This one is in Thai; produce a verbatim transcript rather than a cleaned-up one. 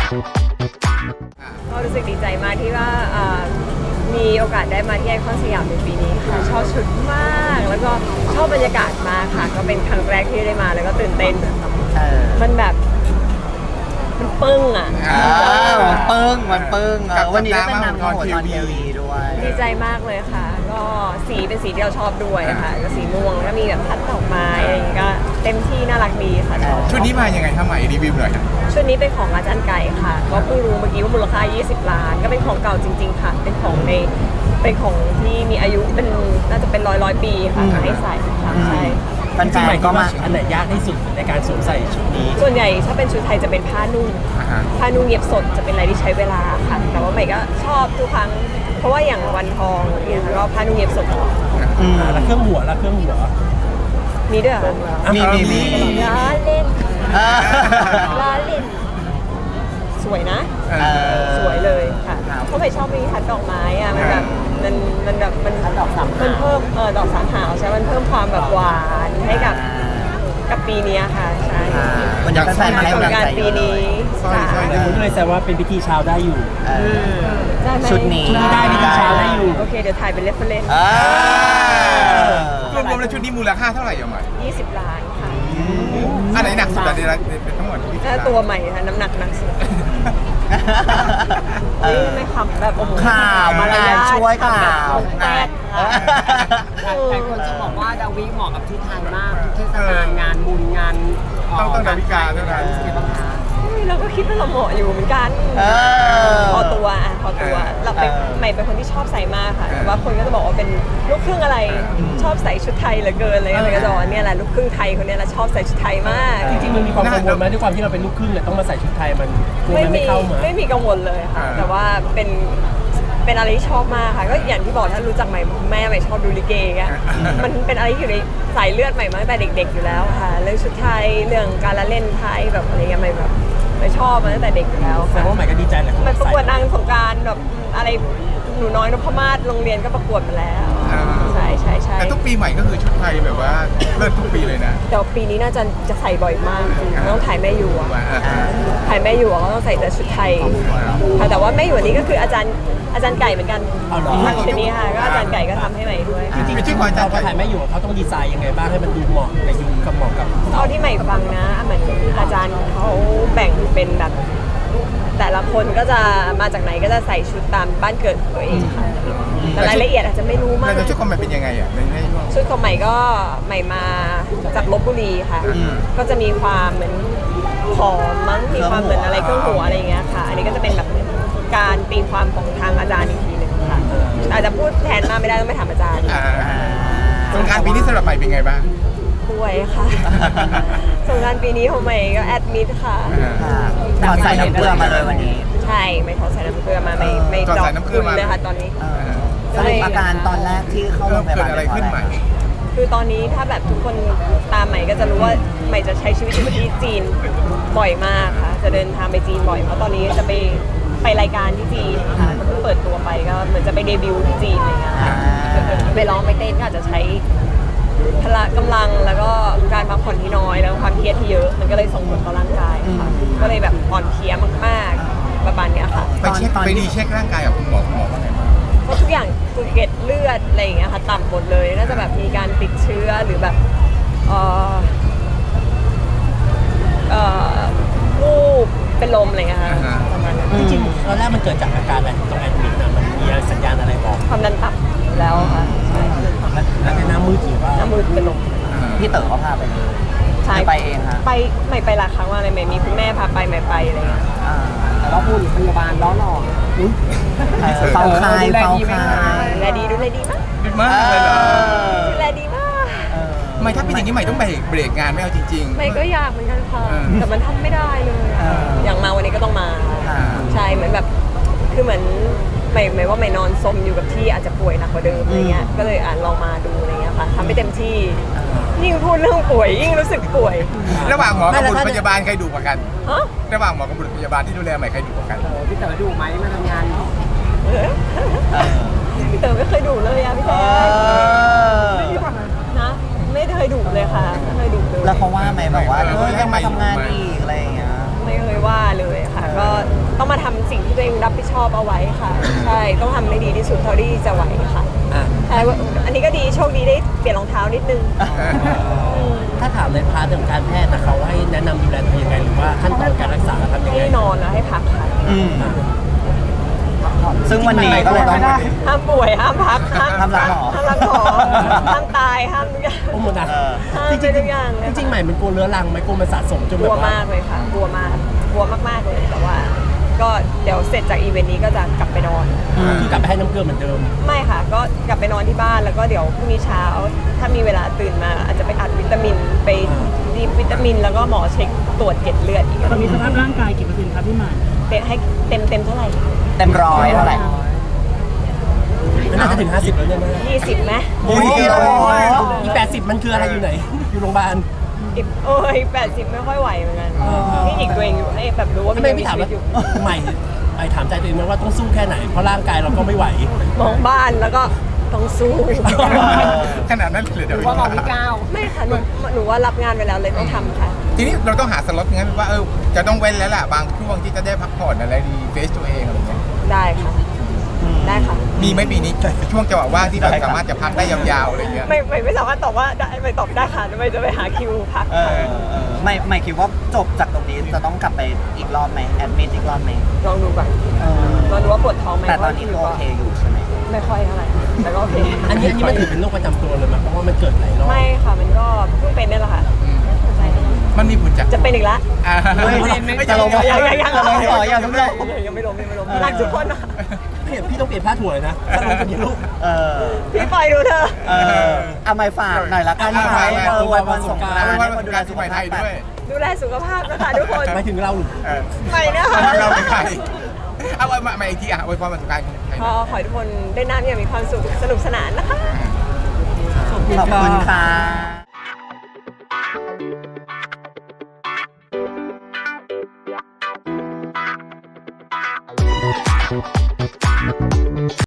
ก็รู้สึกดีใจมากที่ว่ามีโอกาสได้มาที่ไอคอนสยามในปีนี้ค่ะชอบชุดมากแล้วก็ชอบบรรยากาศมากค่ะก็เป็นครั้งแรกที่ได้มาแล้วก็ตื่นเต้นมันแบบมันปึ้งอ่ะมันปึ้งมันปึ้งวันนี้ได้เป็นนางโหดตอนทีวีด้วยดีใจมากเลยค่ะก็สีเป็นสีที่เราชอบด้วยค่ะก็สีม่วงแล้วก็มีแบบพัดดอกไม้อะไรอย่างเงี้ยก็เต็มที่น่ารักดีค่ะชุดนี้มายังไงทำไมรีวิวหน่อยชุดนี้เป็นของอาจารย์ไก่ค่ะก็เพิ่งรู้เมื่อกี้ว่ามูลค่ายี่สิบล้านก็เป็นของเก่าจริงๆค่ะเป็นของในเป็นของที่มีอายุเป็นน่าจะเป็นร้อยร้อยปีค่ะให้ใส่ค่ะใช่มันจริงไหมก็มาอันไหนยากที่สุดในการสวมใส่ชุดนี้ส่วนใหญ่ถ้าเป็นชุดไทยจะเป็นผ้านุ่งผ้านุ่งเย็บสดจะเป็นอะไรที่ใช้เวลาค่ะแต่ว่าใหม่ก็ชอบทุกครั้งเพราะว่าอย่างวันทองเนี่ยก็ผ้านุ่งเย็บสดตลอดแล้วเครื่องหัวแล้วเครื่องหัวมีด้วยเหรอมีมีมีล้อเล่นล้อเล่นสวยนะสวยเลยค่ะเพราะใหม่ชอบมีทัดดอกไม้อะมันแบบมันมันแบบมันดอกสามมันเพิ่มเออดอกสามหาวใช่มันเพิ่มความแบบหวานให้กับกับปีนี้ค่ะใช่มันอยากใส่มาให้กำลังใจปีนี้ผมก็เลยแซวว่าเป็นพิธีเช้าได้อยู่ชุดนี้ได้พิธีเช้าได้อยู่โอเคเดี๋ยวถ่ายเป็นเรฟเฟอเรนซ์รวมๆแล้วชุดนี้มูลค่าเท่าไหร่ยังไงยี่สิบล้านค่ะอันไหนหนักสุดอันนี้เป็นทั้งหมดถ้าตัวใหม่ค่ะน้ำหนักหนักสุดไม่ขำแบบข่าวมาแล้วช่วยข่าวแตกแต่คนจะบอกว่าดาวิเหมาะกับที่ไทยมากทุกเทศกาลงานบุญงานต้องต้องดาวิกาด้วยนะเราก็คิดว่าเราเหมาะอยู่เหมือนกันพอตัวอ่ะพอตัวเราเป็นใหม่เป็นคนที่ชอบใส่มากค่ะแต่ว่าคนก็จะบอกว่าเป็นลูกครึ่งอะไรชอบใส่ชุดไทยเหลือเกินเลยอะไรก็จะเนี่ยแหละลูกครึ่งไทยคนนี้แหละชอบใส่ชุดไทยมากจริงๆมันมีความกังวลไหมด้วยความที่เราเป็นลูกครึ่งเนี่ยต้องมาใส่ชุดไทยมันกลัวมันไม่เข้ามาไม่มีกังวลเลยค่ะแต่ว่าเป็นเป็นอะไรที่ชอบมากค่ะก็อย่างที่บอกถ้ารู้จักใหม่แม่ใหม่ชอบดูลิเกอ่ะมันเป็นอะไรที่อยู่ในสายเลือดใหม่มาตั้งแต่เด็กๆอยู่แล้วค่ะเรื่องชุดไทยเรื่องการละเล่นไทยแบบอะไรเงี้ยใหม่แบบไม่ชอบมาตั้งแต่เด็กอยู่แล้วแต่ว่าใหม่ก็ดีใจแหละมันประกวดนางสงกรานต์แบบอะไรหนูน้อยนพมาศโรงเรียนก็ประกวดมาแล้วใช่ใช่ใช่แต่ทุกปีใหม่ก็คือชุดไทยแบบว่าเลิศทุกปีเลยนะแต่ปีนี้น่าจะจะใส่บ่อยมากต้องถ่ายแม่อยู่อ่ะถ่ายแม่อยู่ก็ต้องใส่แต่ชุดไทยค่ะแต่ว่าแม่อยู่นี้ก็คืออาจารย์อาจารย์ไก่เหมือนกันชุดนี้ค่ะก็อาจารย์ไก่ก็ทำให้ใหม่ด้วยจริงๆจริงๆเราถ่ายแม่อยู่เขาต้องดีไซน์ยังไงบ้างให้มันดูเหมาะกับยุคกับเหมาะกับเท่าที่ใหม่ฟังนะเหมือนอาจารย์เขาแบ่งเป็นแบบแต่ละคนก็จะมาจากไหนก็จะใส่ชุดตามบ้านเกิดตัวเองค่ะแต่รายละเอียดอาจจะไม่รู้มากแต่ชุดของใหม่เป็นยังไงอ่ะในชุดของใหม่ก็ใหม่มาจากลพบุรีค่ะก็จะมีความเหมือนหอมมั้งมีความเหมือนอะไรเครื่องหัวอะไรอย่างเงี้ยค่ะอันนี้ก็จะเป็นแบบการตีความของทางอาจารย์อีกทีหนึ่งค่ะอาจจะพูดแทนมาไม่ได้ต้องไปถามอาจารย์สงกรานต์ปีนี้สำหรับใหม่เป็นไงบ้างป่วยค่ะสงกรานต์ปีนี้ของใหม่ก็แอดมิดค่ะถอดใส่น้ำเกลือมาเลยวันนี้ใช่ไม่ถอดใส่น้ำเกลือมาไม่ไม่ดอกคุณเลยค่ะตอนนี้สรุปอาการตอนแรกที่เข้าโรงพยาบาลอะไรขึ้นใหม่คือตอนนี้ถ้าแบบทุกคนตามใหม่ก็จะรู้ว่าใหม่จะใช้ชีวิตอยู่ที่จีนบ่อยมากค่ะจะเดินทางไปจีนบ่อยเพราะตอนนี้จะไปไปรายการที่จีนค่ะเพิ่งเปิดตัวไปก็เหมือนจะไปเดบิวต์ที่จีนอะไรเงี้ยค่ะไปร้องไปเต้นก็อาจจะใช้พละกำลังแล้วก็การพักผ่อนที่น้อยแล้วความเครียดที่เยอะมันก็เลยส่งผลต่อร่างกายค่ะก็เลยแบบอ่อนเพลียมากๆประมาณนี้ค่ะไปเช็คไปดีเช็คร่างกายกับคุณหมอคุณหมอว่าไงบ้างก็ทุกอย่างคือเกล็ดเลือดอะไรอย่างเงี้ยค่ะต่ำหมดเลยน่าจะแบบมีการติดเชื้อหรือแบบเอ่อเอ่อวูบเป็นลมอะไรเงี้ยค่ะประมาณนั้นจริงๆตอนแรกมันเกิดจากอาการอะไรตรงแอดมิดนะมันมีสัญญาณอะไรบอกความดันต่ำแล้วค่ะใช่แล้วในหน้ามืดหรือว่าหน้ามืดเป็นลมพี่เต๋อเขาพาไปเลยใช่ไปเองค่ะไปไม่ไปหลายครั้งว่าอะไรไม่มีคุณแม่พาไปไม่ไปอะไรเงี้ยแต่ว่าคุณพยาบาลล้อหลอกเฝ้าคายเฝ้าคายดูแลดีดูแลดีมากดีมากเลยเหรอดูแลดีมากไม่ถ้าเป็นอย่างนี้ใหม่ต้องเบรกเบรกงานไม่เอาจริงๆไม่ก็อยากเหมือนกันค่ะแต่มันทำไม่ได้เลยอย่างมาวันนี้ก็ต้องมาใช่เหมือนแบบคือเหมือนไม่ไม่ว่าไม่นอนซมอยู่กับที่อาจจะป่วยหนักกว่าเดิมอะไรเงี้ยก็เลยอ่านลองมาดูอะไรเงี้ยค่ะทำให้เต็มที่ยิ่งพูดเรื่องป่วยยิ่งรู้สึกป่วยระหว่างหมอกับบุรุษพยาบาลใครดุกว่ากันระหว่างหมอกับบุรุษพยาบาลที่ดูแลใหม่ใครดุกว่ากันพี่เต๋อดุไหมมาทำงานพี่เต๋อไม่เคยดุเลยอะพี่แจ๊นะไม่เคยดุเลยค่ะไม่เคยดุเลยแล้วเขาว่าไหมแบบว่าเออยังมาทำงานอีกอะไรอย่างเงี้ยไม่เคยว่าเลยค่ะก็องรับผิดชอบเอาไว้ค่ะ ใช่ต้องทำให้ดีที่สุดเท่าที่จะไหวค่ะอ่ะใช่ว่าอันนี้ก็ดีโชคดีได้เปลี่ยนรองเท้านิดนึงถ้าถามในพาร์ทของการแพทย์นะเขาให้แนะนำดูแลตัวเองยังไงหรือว่าขั้นตอนการรักษาทำยังไงให้นอนแล้วให้พักค่ะอืมซึ่งวันนี้ก็เลยต้องห้ามป่วยห้ามพักห้ามห้ามรักหมอห้ามรักหมอห้ามตายห้ามทุกอย่างโอ้โหนะเออห้ามจไปริงทุกอย่างเลยๆจริงๆใหม่มันกลัวเรื้อรังไหมกลัวมันสะสมจนกแบลัวบว่ามากเลยค่ะ กลัวมากกลัวมากๆเลยแต่ว่า ก็เดี๋ยวเสร็จจากอีเวนต์นี้ก็จะกลับไปนอนคือกลับไปให้น้ำเกลือเหมือนเดิมไม่ค่ะ ก็กลับไปนอนที่บ้านแล้วก็เดี๋ยวพรุ่งนี้เช้า ถ้ามีเวลาตื่นมา อาจจะไปอัดวิตามินไปดีวิตามิน แล้วก็หมอเช็คตรวจเกล็ดเลือดอีกตอนนี้สภาพร่างกายกี่เปอร์เซ็นต์ครับพี่หมายเต็มให้เต็มเต็มเท่าไหร่เต็มร้อยเท่าไหร่น่าจะถึง ห้าสิบ แล้วเนี่ยนะยี่สิบไหมโอ้ยอีแปดสิบมันคืออะไรอยู่ไหน อยู่โรงพยาบาลอีกโอ้ยแปดสิบไม่ค่อยไหวเหมือนกันเออนี่หญิงตัวเองอยู่ให้แบบรู้ว่าทำมันไมยังไม่มีถามชีวิว่าตอยู่ใหม่ไปถามใจตัวเองไหมว่าต้องสู้แค่ไหน เพราะร่างกายเราก็ไม่ไหวมองบ้านแล้วก็ต้องสู้ขนาดนั้นเลยหเดี๋ยรืวอว่าหมอพี่ก้าวไม่ค่ะหนูหนูว่ารับงานไปแล้วเลยต้องทำค่ะทีนี้เราต้องหาสล็อตงั้นว่าเออจะต้องเว้นแล้วล่ะบางช่วงที่จะได้พักผ่อนอะไรดีเฟสตัวเองอะไรเงี้ยได้ค่ะ ได้ค่ะมีไหมปีนี้ช่วงจังหวะว่างที่เราสามารถจะพักได้ยาวๆอะไรเงี้ยไม่ไม่ไม่สามารถตอบว่าได้ไม่ตอบได้ค่ะไม่จะไปหาคิวพักเอค่ะอเออไม่ไม่คิดว่าจบจากตรงนี้จะต้องกลับไปอีกรอบไหมแอดมิดอีกรอบไหมลองดูก่อนเออลองดูว่าปวดท้องไหมแต่ตอนนี้ก็โอเคอยู่ใช่ไหมไม่ค่อยเท่าไหร่แต่ก็โอเคอันนี้อันนี้มันถือเป็นโรคประจำตัวเลยมั้ยเพราะว่ามันเกิดหลายรอบไม่ค่ะมันก็เพิ่งเป็นนี่แหละค่ะอืมใช่มันมีผลจากจะเป็นอีกละอ่าเฮ้ยไม่จะลงยังยังยังจะลงต่อยังทุกโลกยังไม่ลงยังไม่ลงรักทุกคนนะเปลี่ยนพี่ต้องเปลี่ยนผ้าถั่วเลยนะถ้าลงคนนี้ลูกเออพี่ปล่อยดูเธอะเออเอาไม่ฝากหน่อยละกันเอาไหมมาเออวันวันสงกรานเอาต์ไว้ให้วัคน นดูดูแลแลสุสุขขภาภาพพไทยด้วยดูแลสุขภาพนะคะทุกคนหมายถึงเราหรือเออไม่นะคะเราเป็นใครเอาไว้มาอีกทีอ่ะไว้ความสุขการของไทยขอขอให้ทุกคนได้น้ำอย่างมีความสุขสนุกสนานนะคะขอบคุณค่ะ